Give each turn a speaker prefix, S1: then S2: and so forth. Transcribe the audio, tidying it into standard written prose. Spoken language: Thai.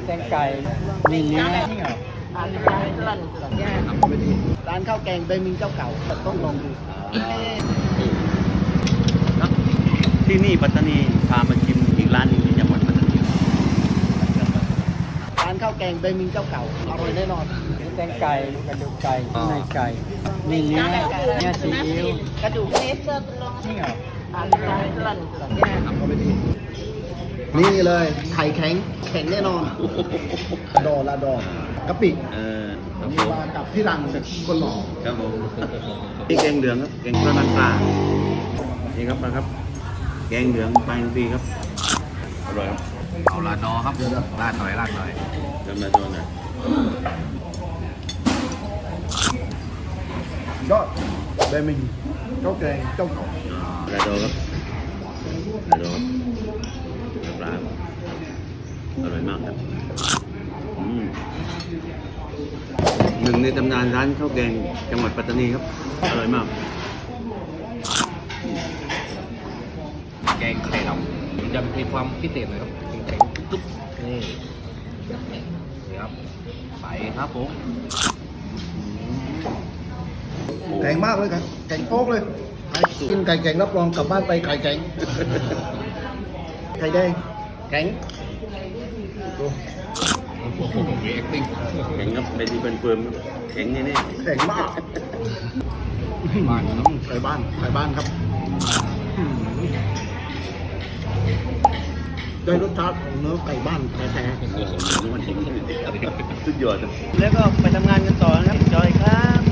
S1: แกงไก่มีเนื้อ
S2: ร้านข้าวแกงเบมิงเจ้าเก่าต้องลองดู
S3: ที่นี่ปัตตานีพามาชิมอีกร้านหนึงที่จังหวัดปัตตานี
S2: ร้านข้าวแกงเบมิงเจ้าเก่าอร่อยแน่นอน
S1: แกงไก่กระดูกไก่ในไก่มีเนื้อซีอิ๊ว
S2: กระดูกเนสเซอร์
S1: นี่เหรอ
S2: นี่เลยไข่แข็งแข็งแน่นอนดอละดอกะปิ
S3: ครับผม
S2: มากับพี่รังคนหล่อ
S3: ครับผมนี่แกงเหลืองครับแกงปลาน้ำปลานี่ครับมาครับ แกงเหลืองปลาอินทรีครับอร่อยครับ
S4: เอาลาดอครับลาดหน่อย
S3: จำได้ตัวหน่อย
S2: ยอดเบมิงเจ้าแกงเจ้าเก่า
S3: ลาโดครับลาโดครับปลาครับอร่อยมากครับหนึ่งในตำนานร้านข้าวแกงจังหวัดปัตตานีครับอร่อยมาก
S4: แกงไข่ดำมันจะมีความพิเศษหน่อยครับแข็งๆตุ๊บนี่ครับใส่ครับผม
S2: แข็งมากเลยครับแข็งโป๊กเลยใครกินไก่แข็งรับรองกลับบ้านไปไข่แข็งไข่แดงแข็ง
S4: โอ้โหมี acting
S3: แข็งครับเป็นที่เป็นเฟิร์มครับแข็งแน่
S2: แข็งมาก
S4: บ้านน้
S2: ไก่บ้านครับได้รสชาติของเนื้อไก่บ้านแท้
S3: ๆสุดยอดครับแล้วก็ไปทำงานกันต่อนะครับจอยครับ